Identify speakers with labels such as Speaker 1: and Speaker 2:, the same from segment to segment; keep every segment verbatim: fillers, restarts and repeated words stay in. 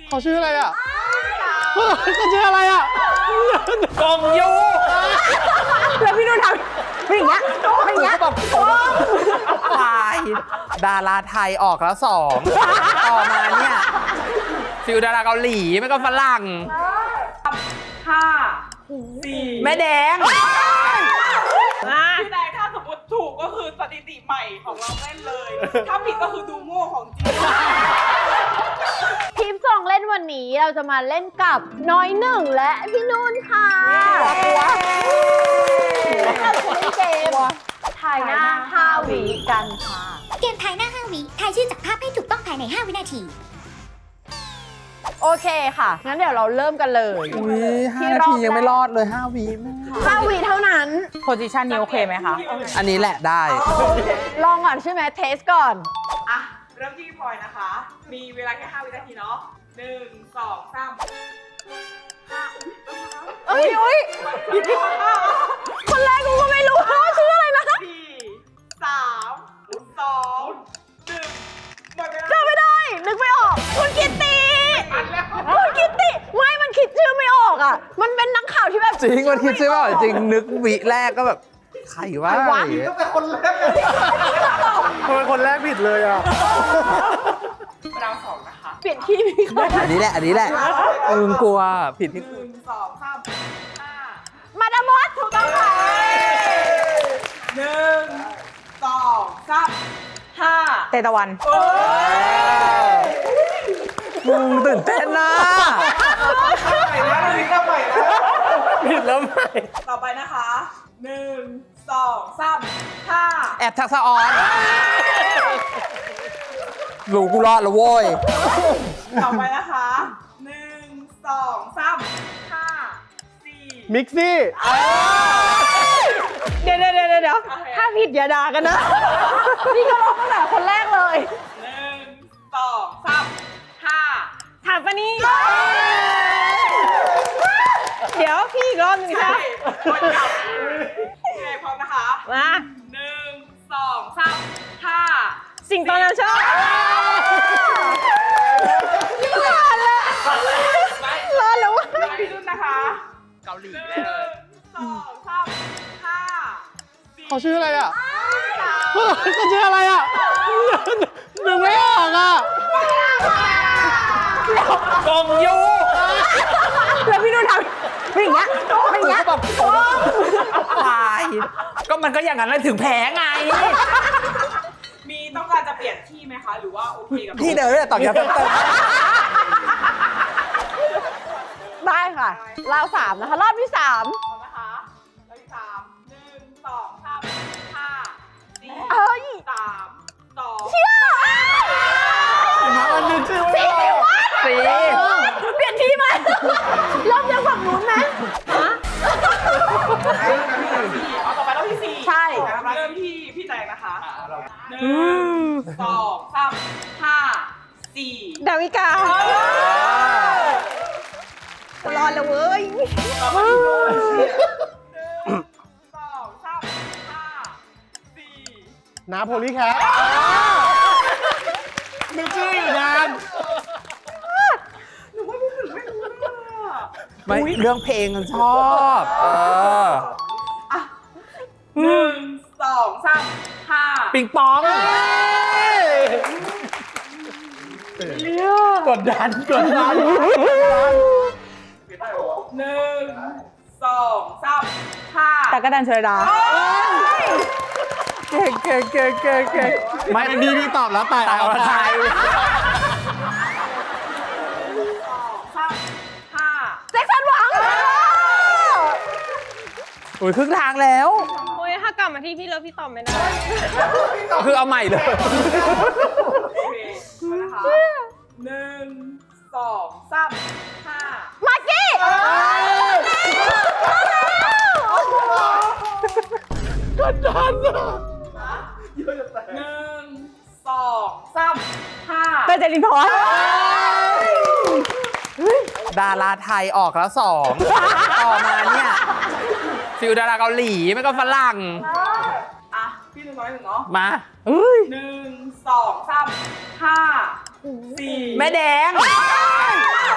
Speaker 1: เขาชื่ออะไรอ่ะเขาชื่ออะไรอ่ะกองยู
Speaker 2: แล้วพี่นุ่นทำเป็นอย่างเงี้ยเป็นอย่างเงี้ยแบบ
Speaker 3: ตายดาราไทยออกแล้วสองต่อมาเนี่ยฟิลดาราเกาหลีไม่ก็ฝรั่ง
Speaker 4: ห้าสี่
Speaker 3: แม่แดง
Speaker 4: พี่แดงถ้าสมมติถูกก็คือสถิติใหม่ของเราเล่นเลย ถ้าผิดก็คือดูโง่ของจริง
Speaker 2: ทีมสองเล่นวันนี้เราจะมาเล่นกับน้อยหนึ่งและพี่นุ่นค่ะเราจะเล่นเกมถ่ายหน้าห้าวิกันค่ะ
Speaker 5: เกมทายหน้าห้าวิทายชื่อจากภาพให้ถูกต้องภายในห้าวินาที
Speaker 2: โอเคค่ะงั้นเดี๋ยวเราเริ่มกันเลย
Speaker 3: อุ้ยห้านาทียังไม่รอดเลยห้าวิแม่
Speaker 2: ห้าวิเท่านั้น
Speaker 6: โพซิชันนี้โอเคไหมคะ
Speaker 3: อันนี้แหละได้
Speaker 2: ลองก่อนใช่ไหมเทสก่อน
Speaker 4: อ่ะ เริ่มที่พี่พลอยนะคะ มีเวลาแค่ห้าวินาทีเนาะหนึ่งสองสามห้า
Speaker 2: เอ้ยอุ้ยคนแรกกูก็ไม่รู้ว่าชื่ออะไรนะ
Speaker 4: สี่สามสองหนึ่งหมดเวลา
Speaker 2: จำไม่ได้ นึกไม่ออก คุณกิตติคุณกิตติไม่มันคิดชื่อไม่ออกอ่ะ มันเป็นนักข่าวที่แบบ
Speaker 3: จริงมันคิดใช่ป่ะจริงนึกวิแรกก็แบบใครวะ
Speaker 1: ตั้งแต่คนแรกเลยทำไมคนแรกผิดเลยอ่ะ
Speaker 4: เราสองนะคะ
Speaker 2: เปลี่ยนที่พี่เขา
Speaker 3: อันนี้แหละอันนี้แหละมึงกลัวผิดที่
Speaker 4: หนึ่งสองสามห้า
Speaker 2: มาดามอสถูกต้องค่ะ
Speaker 4: หนึ่งสองสามห้า
Speaker 6: เตตะวัน
Speaker 3: มึงตื่นเต้นนะ
Speaker 4: ใหม่แล้วนี่ก็ใหม่แล้ว
Speaker 3: ผิดแล้วไหม
Speaker 4: ต่อไปนะคะหนึ่งสองสามห้า
Speaker 3: แอบทักษะออนรู้กูรอดแล้วโว้ย
Speaker 4: ต่อไปนะคะหนึ่งสองสามห้าสี่
Speaker 1: มิกซี่
Speaker 2: เดี๋ยวเดี๋ยวเดี๋ยวเดี๋ยวถ้าผิดอย่าด่ากันนะ นี่ก็ร้องตั้งแต่คนแรกเลย
Speaker 4: หนึ่งสองสามห้า
Speaker 2: ถามปะนี่ เดี๋ยวพี่อีกรอบหนึง
Speaker 4: ใช่
Speaker 2: ค่ะ
Speaker 4: คนจับโอเคพร้อมนะคะ
Speaker 2: มา
Speaker 4: หนึ่งสองสามห้า
Speaker 2: สิ่งตอนนั้นชอบรอดแล้วรอดแล้ววะ
Speaker 4: พี่รุ่นนะคะ
Speaker 3: เกาหลี
Speaker 4: ห
Speaker 3: แน่
Speaker 4: นึ่
Speaker 3: เลย
Speaker 4: งสองสามห้าสี่
Speaker 1: เขาชื่ออะไรอ่ะเขาชื่ออะไรอ่ะนึกไม่ออกอ่ะ
Speaker 3: กองยู
Speaker 2: แล้วพี่นุ่นทำเป็นอย่างเงี้ยเป็นอย่างเงี้ย
Speaker 3: แบบตายก็มันก็อย่างนั้นเลยถึงแพ้ไง
Speaker 4: มีต้องการจะเปลี่ยนที่ไหมคะ หรือว่าโอเคกับ
Speaker 3: พี่เดินแต่ต่อยกันเติม
Speaker 2: ได้ค่ะราวสามนะคะ รอบที่สาม
Speaker 4: พร้อมนะคะรอบที่สามหนึ่งสองสามห้าสี่
Speaker 2: เอ้ย
Speaker 4: สามสอง
Speaker 2: เชี่ย
Speaker 1: มาอันนึงชื่อไม่ออก
Speaker 3: สี
Speaker 2: เปลี่ยนที่ไหมเริ่มจากฝั่งนู้นไหมฮะ
Speaker 4: เอาต่อไปรอบที่สี่
Speaker 2: ใช่
Speaker 4: เริ่มที่พี่แตงนะคะหนึ่งสองสามห้าสี่
Speaker 2: ดาวิการอดแล้วเว้ย
Speaker 4: ต่อไปพี่นุ่นหนึ่งสองสามห้าสี่
Speaker 1: น้าโพลีแคทนึกชื่ออยู่นาน
Speaker 4: หนูว่าพี่ถึงไม่รู้เลยอะ
Speaker 3: ไม่เรื่องเพลงมันชอบ เออ
Speaker 4: หนึ่งสองสามห้า
Speaker 3: ปิงปอง
Speaker 1: กดดันกดดัน
Speaker 4: หนึ่งสองสามห้า
Speaker 6: แต่ก็ดันเชยดา
Speaker 3: เก่งเก่งเก่งเก่งเก่ง
Speaker 1: ไม่ดีนี่ตอบแล้วแต่
Speaker 3: ตายอรไทย
Speaker 4: สองสามห้า
Speaker 2: แจ็คสันหวัง
Speaker 3: โอ้ยครึ่งทางแล้ว
Speaker 2: โอ้ยถ้ากลับมาที่พี่เลิฟพี่ตอบไม่ได้
Speaker 3: คือเอาใหม่เลย
Speaker 4: โอเคมานะคะหนึ่งสองสามห้า
Speaker 2: มากกี้
Speaker 1: กดดันอ่ะ
Speaker 4: หนึ่งสองสามห้า
Speaker 2: เตยเจรินพร
Speaker 3: ดาราไทยออกแล้วสองต่อมาเนี่ยฟิลดาราเกาหลีไม่ก็ฝรั่ง
Speaker 4: อ่ะพี่น้อยหนึ่งเนาะ
Speaker 3: มา
Speaker 4: หนึ่งสองสามห้าสี่
Speaker 3: แม่แดง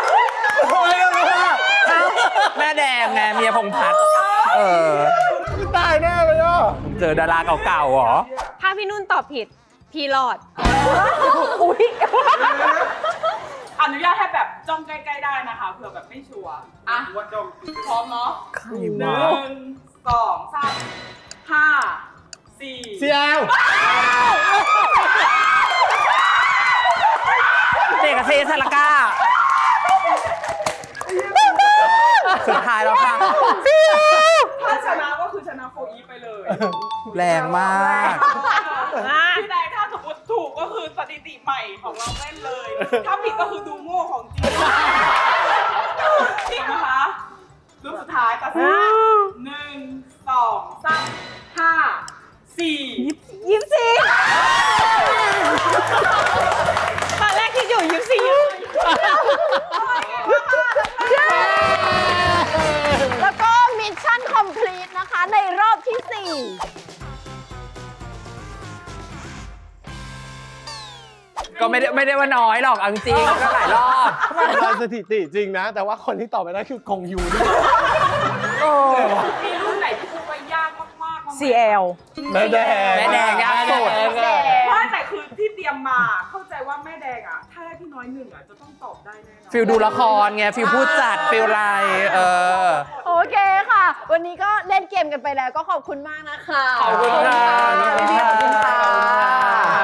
Speaker 3: แม่แดงไงเมียพงษ์พัฒน์เออ
Speaker 1: ตายแน่เลยอ่ะ
Speaker 3: เจอดาราเก่าๆเหรอ
Speaker 2: ถ้าพี่นุ่นตอบผิด พี่รอด
Speaker 4: อนุญาตให้แบบจ้องใกล้ๆได้นะคะเผื่อแบบไม่ชัวร์อ่ะพร้อมเนาะ
Speaker 3: ใคร
Speaker 4: ห
Speaker 3: วะ
Speaker 4: นึ่งสองสามห้าสี่
Speaker 1: เซียว
Speaker 3: เด็กกับเซซาลาก้า สุดท้ายแล้วค่ะ
Speaker 4: ถ้าชนะก็คือชนะโฟอีไปเลย
Speaker 3: แรงมาก
Speaker 4: พี่นายถ้าสมมติถูกก็คือสถิติใหม่ของเราเล่นเลย ถ้าผิดก็คือดูโง่ของจริงจริงนะคะรูปสุดท้ายตัดสินหนึ่งสองสามห้าสี่
Speaker 2: ยิ้มสิตอนแรกที่อยู่ยิ้มสิยิ้มแล้วก็มิชชั่นคอมพลีทนะคะในรอบที่สี่
Speaker 3: ก็ไม่ได้ไม่ได้ว่าน้อยหรอกเอาจริงๆก็หลายรอบ
Speaker 1: ทำสถิติจริงนะ แต่ว่าคนที่ตอบไปได้คือกงยูด้วย
Speaker 4: มีรุ่นไหนที่พูดว่ายากมากๆบ้างไหม
Speaker 6: ซี แอล
Speaker 1: แม่แดง
Speaker 3: แม่แดงยากสุด
Speaker 4: ไม่แต่คือที่เตรียมมาเข้าใจว่าแม่แดงอ่ะ ถ้าได้พี่น้อยหนึ่งอ่ะจะต้องตอบได้แน่นอน
Speaker 3: ฟิลดูละครไงฟิลพูดจัดฟิลอะไรเออ
Speaker 2: โอเคค่ะ วันนี้ก็เล่นเกมกันไปแล้วก็ขอบคุณมากนะคะ
Speaker 3: ขอบคุณค่ะ
Speaker 1: ขอบคุณค่ะ